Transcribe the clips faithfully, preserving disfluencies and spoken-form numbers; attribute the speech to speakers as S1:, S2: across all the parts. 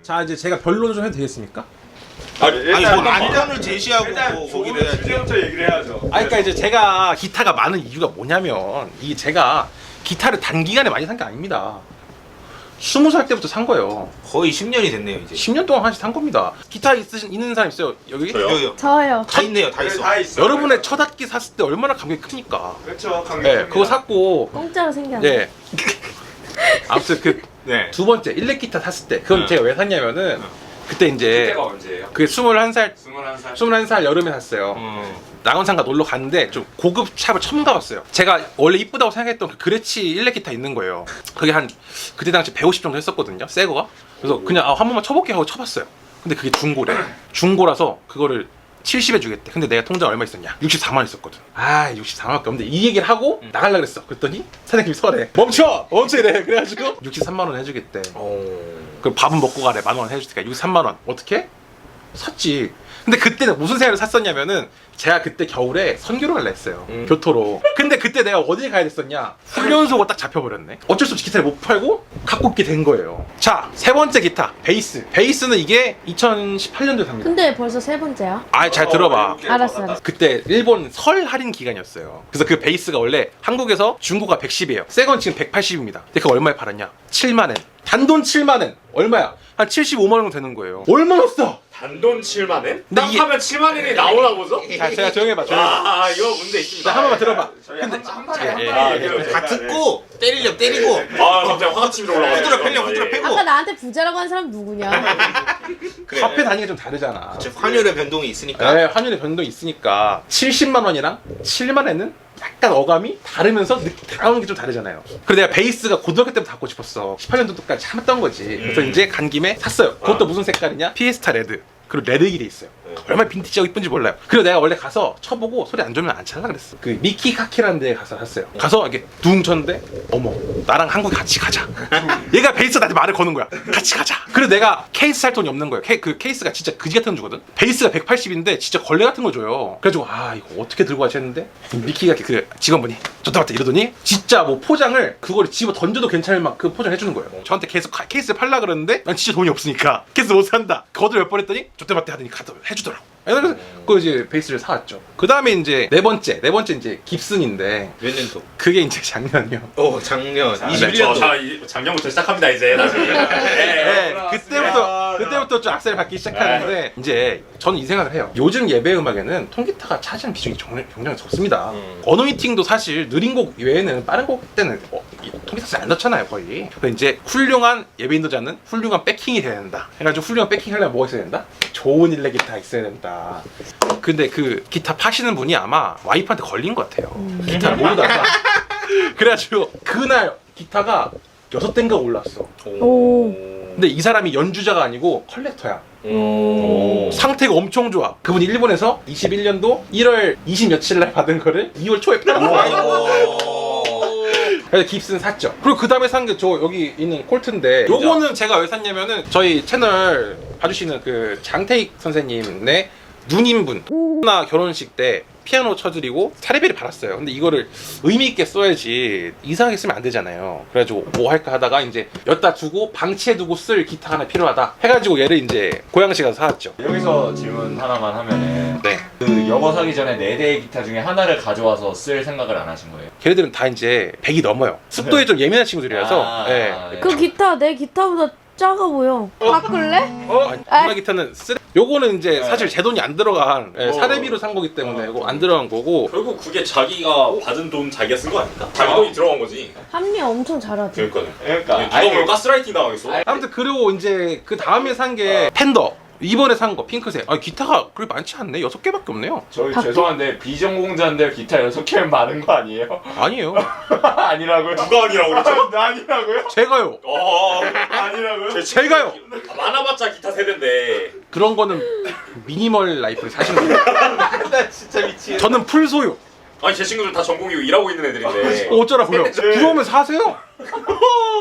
S1: 자 이제 제가 변론을 좀 해도 되겠습니까?
S2: 아니,
S3: 아니 뭐
S2: 일단
S3: 안전을 제시하고
S2: 일단
S3: 뭐
S2: 조금
S3: 보기를 해야지.
S2: 주제부터 얘기를 해야죠.
S1: 아 그러니까 이제 제가 기타가 많은 이유가 뭐냐면 이게 제가 기타를 단기간에 많이 산 게 아닙니다. 스무 살 때부터 산 거예요.
S3: 거의 십 년이 됐네요 이제.
S1: 십 년 동안 한씩 산 겁니다. 기타 있으신 있는 사람 있어요? 여기?
S2: 저요?
S3: 여기요.
S4: 저요.
S3: 다 있네요 다
S2: 네,
S3: 있어.
S2: 다 있어.
S1: 여러분의 첫 악기 샀을 때 얼마나 감격이 크니까.
S2: 그렇죠. 강력.
S1: 네, 그거 샀고
S4: 공짜로 생겼네.
S1: 예. 아무튼 그
S2: 네.
S1: 두 번째 일렉 기타 샀을 때 그건
S2: 네.
S1: 제가 왜 샀냐면은 그때 이제
S2: 그때가 언제예요?
S1: 그 스물한 살
S2: 스물한 살.
S1: 스물한 살 여름에 샀어요.
S3: 음.
S1: 낙원상가 놀러 갔는데 좀 고급 샵을 처음 가봤어요. 제가 원래 이쁘다고 생각했던 그 그레치 일렉 기타 있는 거예요. 그게 한 그때 당시 백오십 정도 했었거든요. 새 거가. 그래서 그냥 아, 한 번만 쳐볼게 하고 쳐봤어요. 근데 그게 중고래. 중고라서 그거를 칠십에 주겠대. 근데 내가 통장 얼마 있었냐? 육십사만 원 있었거든. 아 육십사만 원밖에 없는데 이 얘기를 하고 나가려고 그랬어. 그랬더니 사장님이 설에 멈춰! 멈춰 이래. 그래가지고 육십삼만 원 해주겠대. 그 밥은 먹고 가래. 만 원 해주니까 육십삼만 원. 어떻게? 샀지. 근데 그때는 무슨 생각을 샀었냐면은 제가 그때 겨울에 선교를 갈라 했어요.
S3: 음.
S1: 교토로. 근데 그때 내가 어딜 가야 됐었냐? 훈련소가 딱 잡혀버렸네. 어쩔 수 없이 기타를 못 팔고 갖고 있게 된 거예요. 자, 세 번째 기타. 베이스. 베이스는 이게 이천십팔 년도에 삽니다.
S4: 근데 벌써 세 번째야?
S1: 아, 잘 들어봐.
S4: 알았어, 알았어.
S1: 그때 일본 설 할인 기간이었어요. 그래서 그 베이스가 원래 한국에서 중고가 백십이에요. 새 건 지금 백팔십입니다. 근데 그거 얼마에 팔았냐? 칠만 엔. 단돈 칠만 엔. 얼마야? 한 칠십오만 원 되는 거예요. 얼마나 써?
S2: 단돈 칠만 엔?
S1: 근데
S2: 딱
S1: 이게-
S2: 하면 칠만 엔이 나오나 보죠?
S1: 자, 제가 조용히 해봐, 조용히 해봐.
S2: 아, 이거 문제 있습니다.
S1: 자, 한 번만 들어봐.
S2: 저희
S1: 근데-
S2: 한, 한 번에
S1: 예,
S2: 한
S1: 예,
S2: 번에
S1: 예,
S2: 얘기해요,
S1: 예.
S2: 제가.
S3: 다 듣고 때리려 때리고
S2: 아, 갑자기 화가 치밀어 올라가요.
S3: 후드려 패려 후드려 패고.
S4: 아까 나한테 부자라고 한 사람 누구냐?
S3: 그래.
S1: 화폐 단위가 좀 다르잖아.
S3: 저 환율의 변동이 있으니까.
S1: 네, 환율의 변동이 있으니까 칠십만 원이랑 칠만 엔은 약간 어감이 다르면서 느낌 나오는 게 좀 다르잖아요. 그래서 내가 베이스가 고등학교 때부터 갖고 싶었어. 십팔 년도까지 참았던 거지. 그래서
S2: 음.
S1: 이제 간 김에 샀어요. 그것도
S2: 아.
S1: 무슨 색깔이냐? 피에스타 레드. 그리고 레드길이 있어요.
S2: 네.
S1: 얼마나 빈티지하고 이쁜지 몰라요. 그리고 내가 원래 가서 쳐보고 소리 안 좋으면 안 찰라 그랬어. 그 미키 카키라는 데에 가서 샀어요. 가서 이렇게 둥 쳤는데 어머 나랑 한국 같이 가자. 얘가 베이스 나한테 말을 거는 거야. 같이 가자. 그래서 내가 케이스 살 돈이 없는 거예요. 케, 그 케이스가 진짜 그지 같은 거 주거든. 베이스가 백팔십인데 진짜 걸레 같은 거 줘요. 그래가지고 아 이거 어떻게 들고 가지 했는데 미키가 그 직원분이 좋다 맞다 이러더니 진짜 뭐 포장을 그걸 집어 던져도 괜찮을 만큼 포장해 주는 거예요. 저한테 계속 카- 케이스를 팔라 그러는데 난 진짜 돈이 없으니까 케이스 못 산다. 거들 몇 번 했더니 좋다 맞다 하더니 가서 해주더라고. 그래서 그 이제 베이스를 사왔죠. 그 다음에 이제 네 번째 네 번째 이제 깁슨인데
S3: 몇 년도?
S1: 그게 이제 작년이요.
S3: 어 작년
S2: 자,
S3: 이십일
S2: 저,
S3: 년도.
S2: 자, 이- 작년부터 시작합니다 이제. 다시. 네,
S1: 네,
S2: 올라왔습니다.
S1: 그때부터 그때부터 좀 악셀을 받기 시작하는데 이제 저는 이 생각을 해요. 요즘 예배 음악에는 통기타가 차지하는 비중이 정말 굉장히 적습니다.
S3: 음.
S1: 어느 미팅도 사실 느린 곡 외에는 빠른 곡 때는 어, 이 통기타 잘 안 넣잖아요 거의. 그래서 이제 훌륭한 예배 인도자는 훌륭한 백킹이 돼야 된다. 해가지고 훌륭한 백킹 하려면 뭐가 있어야 된다? 좋은 일렉 기타 있어야 된다. 근데 그 기타 파시는 분이 아마 와이프한테 걸린 것 같아요. 기타를 모르다가 그래가지고 그날 기타가 여섯 대인가 올랐어.
S4: 오.
S1: 근데 이 사람이 연주자가 아니고 컬렉터야.
S3: 오.
S1: 상태가 엄청 좋아. 그분이 일본에서 이십일 년도 일월 이십 며칠 날 받은 거를 이월 초에 팔았어.
S3: 아이고.
S1: 그래서 깁슨 샀죠. 그리고 그 다음에 산 게 저 여기 있는 콜트인데 요거는 제가 왜 샀냐면은 저희 채널 봐주시는 그 장태익 선생님의 누님분 나 결혼식 때 피아노 쳐드리고 사례비를 받았어요. 근데 이거를 의미 있게 써야지 이상하게 쓰면 안 되잖아요. 그래가지고 뭐 할까 하다가 이제 엿다 두고 방치해두고 쓸 기타 하나 필요하다 해가지고 얘를 이제 고양시 가서 사왔죠.
S5: 여기서 질문 하나만 하면은
S1: 네.
S5: 그 영어 사기 전에 네 대의 기타 중에 하나를 가져와서 쓸 생각을 안 하신 거예요?
S1: 걔네들은 다 이제 백이 넘어요. 습도에 좀 예민한 친구들이라서.
S5: 아,
S1: 예.
S5: 예.
S4: 그 기타 내 기타보다 작아 보여. 바꿀래?
S1: 어? 아니, 기타는 쓰레... 요거는 이제
S5: 네.
S1: 사실 제 돈이 안 들어간 예,
S2: 어.
S1: 사례비로 산 거기 때문에 이거 안 들어간 거고.
S2: 결국 그게 자기가 받은 돈 자기가 쓴 거 아닐까? 자기 돈이 들어간 거지.
S4: 합리 엄청 잘하지.
S2: 그러니까요.
S5: 그러니까
S2: 누가 뭘 가스라이팅 당하겠어?
S5: 아니,
S1: 아무튼 그리고 이제 그 다음에 산 게 팬더. 이번에 산 거 핑크색. 아 기타가 그렇게 많지 않네. 여섯 개밖에 없네요.
S5: 저희
S4: 바뀌-
S5: 죄송한데 비전공자인데 기타 여섯 개면 많은 거 아니에요?
S1: 아니에요.
S5: 아니라고요?
S2: 누가 아니라고 그랬죠?
S5: 아니라고요?
S1: 제가요.
S2: 어,
S5: 아니라고요?
S1: 제가요.
S2: 많아봤자 기타 세대인데.
S1: 그런 거는 미니멀 라이프를 사시는 거예요.
S3: 나 진짜 미치겠네.
S1: 저는 풀 소유.
S2: 아니 제 친구들 다 전공이고 일하고 있는 애들인데.
S1: 어, 어쩌라고요? 부러우면 사세요.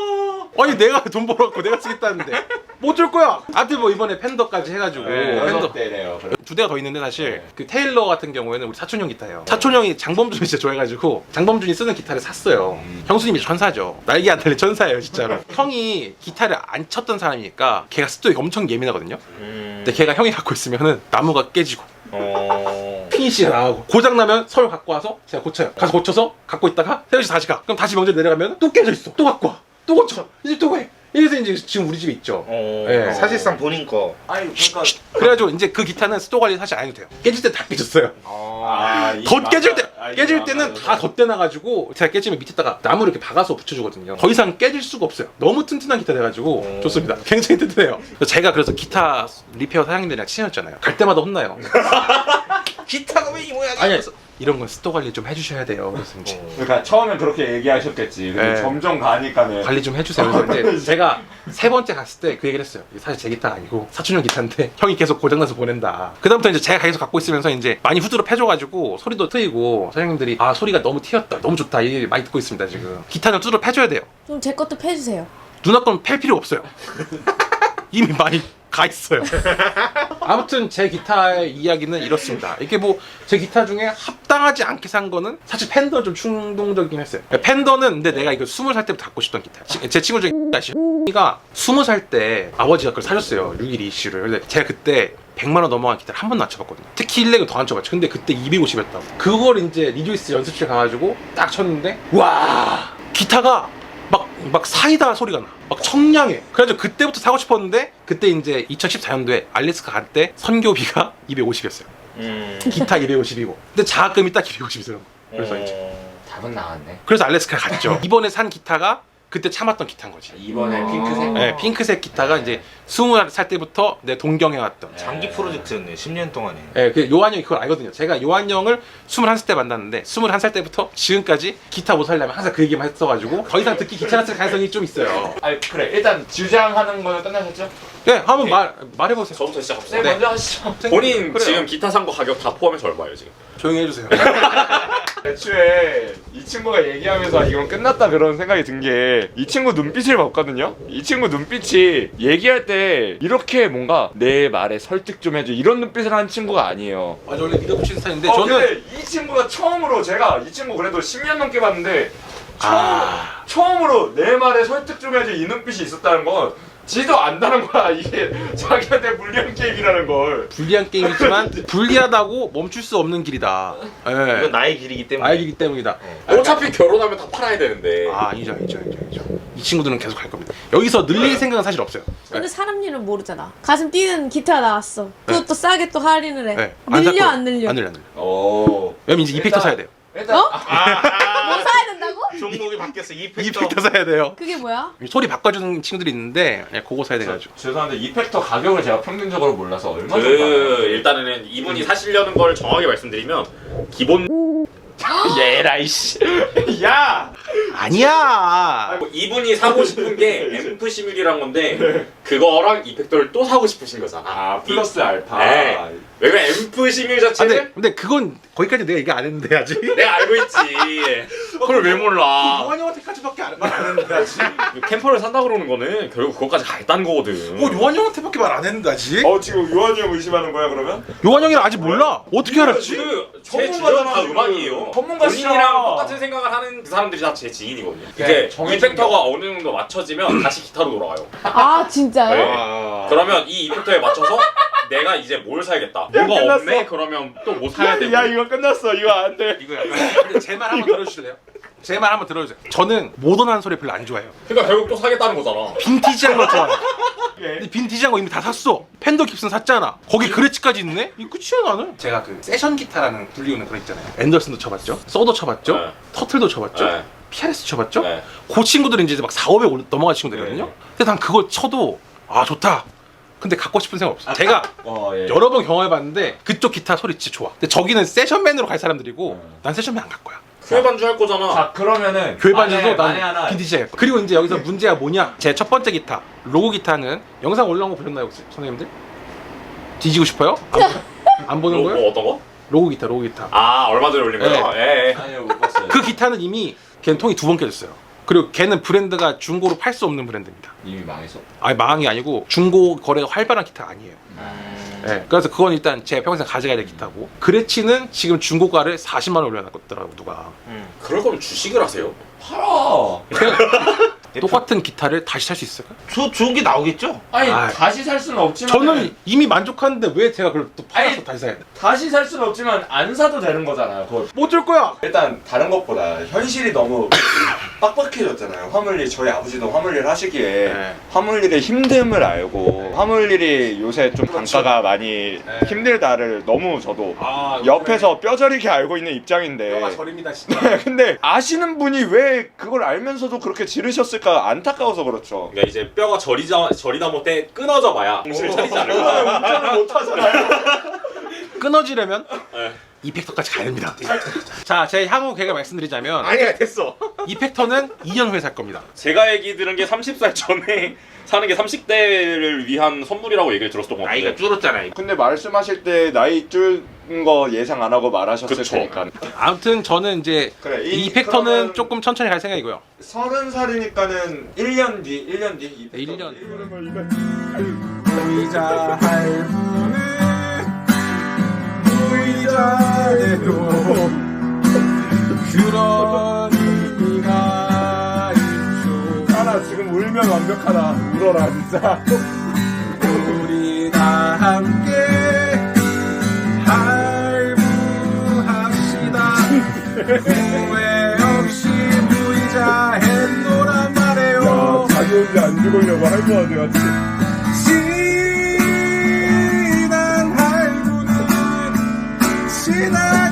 S1: 아니 내가 돈 벌었고 내가 쓰겠다는데 못 줄 거야. 아무튼 뭐 이번에 팬더까지 해가지고
S5: 네,
S1: 팬더
S5: 여섯 대네요.
S1: 두 대가 더 있는데 사실
S5: 네.
S1: 그 테일러 같은 경우에는 우리 사촌 형 기타예요. 사촌 형이 장범준이 진짜 좋아해가지고 장범준이 쓰는 기타를 샀어요.
S5: 음.
S1: 형수님이 천사죠. 날개 안 달린 천사예요 진짜로. 형이 기타를 안 쳤던 사람이니까 걔가 습도에 엄청 예민하거든요.
S3: 음.
S1: 근데 걔가 형이 갖고 있으면은 나무가 깨지고
S3: 어.
S1: 피니시가 나가고 고장 나면 서울 갖고 와서 제가 고쳐요. 가서 고쳐서 갖고 있다가 세우시 다시 가. 그럼 다시 명절 내려가면 또 깨져 있어. 또 갖고 와. 또 고쳐. 이제 또 해. 이래서 이제 지금 우리 집에 있죠.
S3: 어.
S1: 네.
S3: 사실상 본인 거.
S5: 아니 그러니까
S1: 그래가지고 이제 그 기타는 습도 관리 사실 안 해도 돼요. 깨질 때 다 깨졌어요.
S5: 아, 이
S1: 덧 깨질 때
S5: 망가- 아,
S1: 깨질
S5: 이
S1: 때는
S5: 망가져서.
S1: 다 덧대놔가지고 제가 깨지면 밑에다가 나무를 이렇게 박아서 붙여주거든요. 더 이상 깨질 수가 없어요. 너무 튼튼한 기타 돼가지고
S3: 음.
S1: 좋습니다. 굉장히 튼튼해요. 그래서 제가 그래서 기타 리페어 사장님들이랑 친해졌잖아요. 갈 때마다 혼나요.
S3: 기타가 왜 이 모양이야?
S1: 아니 이런 건 습도 관리 좀 해주셔야 돼요. 그래서 이제
S5: 그러니까 처음엔 그렇게 얘기하셨겠지. 근데
S1: 네.
S5: 점점 가니까는
S1: 관리 좀 해주세요. 그래서 이제 제가 세 번째 갔을 때 그 얘기를 했어요. 이게 사실 제 기타가 아니고 사촌형 기타인데 형이 계속 고장나서 보낸다. 그다음부터 이제 제가 계속 갖고 있으면서 이제 많이 후드로 패줘가지고 소리도 트이고 사장님들이 아 소리가 너무 튀었다. 너무 좋다. 이 얘기 많이 듣고 있습니다 지금. 기타는 후드로 패줘야 돼요.
S4: 좀 제 것도 패주세요.
S1: 누나 건 팰 필요 없어요. 이미 많이 가 있어요. 아무튼 제 기타의 이야기는 이렇습니다. 이게 뭐 제 기타 중에 합당하지 않게 산 거는 사실 팬더 좀 충동적이긴 했어요. 팬더는 근데 내가 이거 스무 살 때부터 갖고 싶던 기타. 치- 제 친구 중에 가 스무 살 때 아버지가 그걸 사줬어요. 육일 이슈를. 근데 제가 그때 백만 원 넘어간 기타를 한 번도 안 쳐봤거든요. 특히 일렉은 더 안 쳐봤죠. 근데 그때 이백오십이었다고. 그걸 이제 리조이스 연습실 가가지고 딱 쳤는데 와 기타가 막, 막 사이다 소리가 나. 막 청량해. 그래가지고 그때부터 사고 싶었는데 그때 이제 이천십사 년도에 알래스카 갈 때 선교비가 이백오십이었어요.
S3: 음.
S1: 기타 이백오십이고. 근데 자금이 딱 이백오십이더라고. 그래서 이제
S3: 어.
S5: 답은 나왔네.
S1: 그래서 알래스카 갔죠. 이번에 산 기타가 그때 참았던 기타인 거지.
S5: 이번에
S4: 아.
S5: 핑크색.
S1: 네, 핑크색 기타가 이제 스무 살 때부터 내 동경해왔던.
S3: 장기 프로젝트였네. 십 년 동안에.
S1: 예, 그 요한 형이 그걸 알거든요. 제가 요한 형을 스물한 살 때 만났는데 스물한 살 때부터 지금까지 기타 못 살려면 항상 그 얘기만 했어가지고 더 이상 듣기 귀찮았을 가능성이 좀 있어요.
S5: 아 그래 일단 주장하는 거는 끝나셨죠?
S1: 예, 한번 말 말해보세요.
S2: 저부터 시작합시다.
S5: 네,
S1: 네.
S5: 먼저 하시죠.
S2: 본인
S1: 그래요.
S2: 지금 기타 산 거 가격 다 포함해서 얼마예요 지금?
S1: 조용히 해주세요.
S5: 애초에 이 친구가 얘기하면서 이건 끝났다 그런 생각이 든 게 이 친구 눈빛을 봤거든요. 이 친구 눈빛이 얘기할 때 이렇게 뭔가 내 말에 설득 좀 해줘 이런 눈빛을 하는 친구가 아니에요.
S1: 아, 저 원래 믿어붙이는 스타일인데
S5: 어,
S1: 저는
S5: 근데 이 친구가 처음으로 제가 이 친구 그래도 십 년 넘게 봤는데 처음,
S1: 아.
S5: 처음으로 내 말에 설득 좀 해줘 이 눈빛이 있었다는 건 지도 안다는 거야. 이게 자기한테 불리한 게임이라는 걸.
S1: 불리한 게임이지만 불리하다고 멈출 수 없는 길이다.
S3: 이건
S1: 예,
S3: 나의 길이기 때문에.
S1: 알기 때문이다.
S2: 어차피 결혼하면 다 팔아야 되는데.
S1: 아, 아니죠, 아니죠, 아니죠, 아니죠. 이 친구들은 계속 갈 겁니다. 여기서 늘릴 생각은 사실 없어요.
S4: 근데 사람 일은 모르잖아. 가슴 뛰는 기타 나왔어. 그것도 싸게 또 할인을 해.
S1: 네.
S4: 늘려
S1: 살
S4: 안
S1: 거예요.
S4: 늘려?
S1: 안 늘려, 안 늘려.
S5: 오.
S1: 왜냐면 이제 이펙터
S5: 일단-
S1: 사야 돼요.
S5: 일단
S4: 어?
S3: 아.
S4: 뭐 사야 된다고?
S3: 종목이 바뀌었어. 이펙터.
S1: 이펙터 사야 돼요.
S4: 그게 뭐야?
S1: 소리 바꿔주는 친구들이 있는데 예, 그거 사야 돼가지고.
S5: 죄송한데 이펙터 가격을 제가 평균적으로 몰라서 얼마
S2: 그
S5: 정도 알아요?
S2: 일단은 이분이 사시려는 걸 정확하게 말씀드리면 기본
S5: 얘라 이씨. 야.
S1: 아니야.
S2: 뭐 이분이 사고 싶은 게 앰프 시뮬이란 건데 그거랑 이펙터를 또 사고 싶으신 거잖아.
S5: 아 플러스 알파.
S2: 네. 왜냐면 앰프 시뮬
S1: 아,
S2: 자체는
S1: 근데 근데 그건 거기까지 내가 얘기 안 했는데 아직.
S2: 내가 알고 있지. 그걸 왜 몰라?
S1: 요한 형한테까지밖에 안 했는데 아직.
S2: 캠퍼를 산다 그러는 거는 결국 그것까지 가겠다는 거거든.
S1: 어, 요한 형한테밖에 말 안 했는데 아직.
S5: 어 지금 요한이 형 의심하는 거야 그러면?
S1: 요한 형이랑 아직 몰라. 어떻게 알았지?
S2: 그제 주변
S5: 전문가잖아,
S2: 다
S5: 지금.
S2: 음악이에요.
S5: 전문가시잖아.
S2: 본인이랑 똑같은 생각을 하는 그 사람들이 다 제 지인이거든요.
S5: 그래,
S2: 이게
S5: 정해진
S2: 이펙터가 어느 정도 맞춰지면 다시 기타로 돌아가요.
S4: 아 진짜요?
S2: 네.
S3: 아.
S2: 그러면 이 이펙터에 맞춰서 내가 이제 뭘 사야겠다.
S5: 야,
S2: 뭐가
S5: 끝났어.
S2: 없네? 그러면 또 뭐 사야 되고.
S5: 야 이거 끝났어. 이거 안 돼.
S1: 이거 약간 근데 제 말 한번 들어주실래요? 제 말 한번 들어주세요. 저는 모던한 소리 별로 안 좋아해요.
S2: 그러니까 결국 또 사겠다는 거잖아.
S1: 빈티지한 거 좋아해요.
S5: 예.
S1: 근데 빈티지한 거 이미 다 샀어. 팬더 깁슨 샀잖아. 거기 그레치까지 있네? 이 끝이야 나는. 제가 그 세션 기타라는 불리우는 그런 있잖아요. 앤더슨도 쳐봤죠. 소도 쳐봤죠.
S2: 네.
S1: 터틀도 쳐봤죠.
S2: 네.
S1: 피아레스 쳐봤죠.
S2: 네.
S1: 그 친구들은 이제 막 사오백 올- 넘어간 친구들이거든요.
S2: 네.
S1: 근데 난 그걸 쳐도 아 좋다. 근데 갖고 싶은 생각 없어. 제가
S5: 어 예.
S1: 여러 번 경험해봤는데 그쪽 기타 소리 진짜 좋아. 근데 저기는 세션맨으로 갈 사람들이고
S5: 음.
S1: 난 세션맨 안 갈 거야.
S2: 교회 반주 할 거잖아.
S5: 자 그러면은
S1: 교회 반주도
S5: 만에- 만에
S1: 난
S5: 하나
S1: 빈티지 할 거야. 그리고 이제 여기서 문제가 뭐냐? 제 첫 번째 기타 로고 기타는 영상 올라온 거 보셨나요 혹시 선생님들? 뒤지고 싶어요? 안, 안 보는
S2: 뭐,
S1: 거예요?
S2: 뭐 어떤 거?
S1: 로고 기타 로고 기타.
S2: 아 얼마 전에 올린 거요? 예. 예.
S5: 아니요 못 봤어요.
S1: 그 기타는 이미 걔는 통이 두 번 깨졌어요. 그리고 걔는 브랜드가 중고로 팔 수 없는 브랜드입니다.
S5: 이미 망해서.
S1: 아니 망한 게 아니고 중고 거래가 활발한 기타가 아니에요. 네, 그래서 그건 일단 제 평생 가져가야 될 기타고 그레치는 지금 중고가를 사십만 원 올려놨더라고 누가.
S2: 그럴 거면 주식을 하세요.
S5: 팔아.
S1: 똑같은 기타를 다시 살 수 있을까?
S3: 저 좋은 게 나오겠죠?
S5: 아니
S1: 아이.
S5: 다시 살 수는 없지만
S1: 저는 이미 만족하는데 왜 제가 그걸 또 팔아서
S5: 아니.
S1: 다시 사야 돼?
S5: 다시 살 수는 없지만 안 사도 되는 거잖아요. 그걸.
S1: 못 줄 거야.
S6: 일단 다른 것보다 현실이 너무 빡빡해졌잖아요. 화물일 저희 아버지도 화물일 하시기에
S1: 네.
S6: 화물일의 힘듦을 알고 화물일이 요새 좀
S1: 그렇죠.
S6: 단가가 많이 힘들다를 너무 저도
S1: 아,
S6: 옆에서 뼈저리게 알고 있는 입장인데
S1: 뼈가 저립니다 진짜.
S6: 근데 아시는 분이 왜 그걸 알면서도 그렇게 지르셨을까 안타까워서 그렇죠.
S2: 그러니까 이제 뼈가 저리자 저리다 못해 끊어져 봐야 정신을 차리지 않을까.
S6: 운전을 못 하잖아요.
S1: 끊어지려면
S2: 네.
S1: 이펙터까지 가야 됩니다. 자, 제 향후 계획을 말씀드리자면
S3: 아니야 됐어.
S1: 이펙터는 이 년 후에 살 겁니다.
S2: 제가 얘기 들은 게 서른 살 전에 사는 게 삼십 대를 위한 선물이라고 얘기를 들었던 것
S3: 나이가
S2: 같은데.
S3: 줄었잖아요.
S6: 근데 말씀하실 때 나이 줄 거 예상 안 하고 말하셨을
S2: 그쵸.
S6: 테니까
S1: 아무튼 저는 이제
S6: 그래,
S1: 이
S6: 이-
S1: 이펙터는
S6: 그러면-
S1: 조금 천천히 갈 생각이고요.
S6: 서른 살이니까는 일 년 뒤, 일 년 뒤.
S1: 네, 일 년.
S7: 보이자 할부는 보이자 해도 그런 의미가 있죠. 하나 지금 울면 완벽하다. 울어라 진짜. 우리 다 함께 할부합시다. 후회 없이 보이자 했노란 말이에요. 야, 자기 혼자 안 죽으려고 할부하지 같이. 지난 할부는 지나가